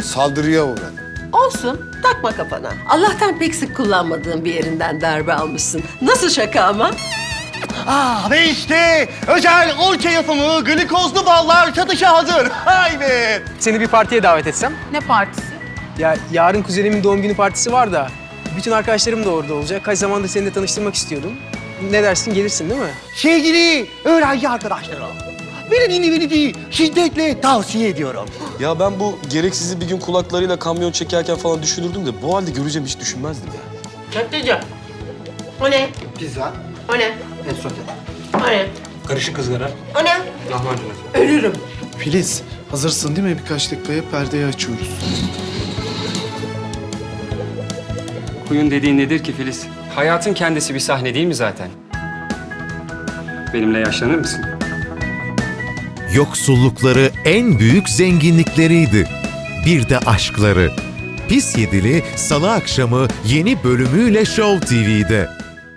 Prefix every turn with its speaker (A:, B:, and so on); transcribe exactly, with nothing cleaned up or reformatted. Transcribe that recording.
A: saldırıya uğradım.
B: Olsun, takma kafana. Allah'tan pek sık kullanmadığın bir yerinden darbe almışsın. Nasıl şaka ama?
C: Ah ve işte özel orke yapımı glikozlu ballar satışa hazır. Haydi.
D: Seni bir partiye davet etsem.
E: Ne partisi?
D: Ya yarın kuzenimin doğum günü partisi var da bütün arkadaşlarım da orada olacak. Kaç zamandır seninle tanıştırmak istiyordum. Ne dersin, gelirsin değil mi?
C: Sevgili öğrenci arkadaşlarım, benim individuyu şiddetle tavsiye ediyorum.
F: Ya ben bu gereksizi bir gün kulaklarıyla kamyon çekerken falan düşünürdüm de bu halde göreceğim hiç düşünmezdim ya.
B: Köfteci. O ne?
G: Pizza,
B: O ne?
G: et sote,
B: O ne?
G: karışık ızgara,
B: O ne?
G: lahmacun.
B: Ölürüm.
H: Filiz, hazırsın değil mi? Birkaç dakikaya perdeyi açıyoruz.
I: Kuyun dediğin nedir ki Filiz? Hayatın kendisi bir sahne değil mi zaten? Benimle yaşlanır mısın?
J: Yoksullukları en büyük zenginlikleriydi. Bir de aşkları. Pis Yedili Salı akşamı yeni bölümüyle Show T V'de.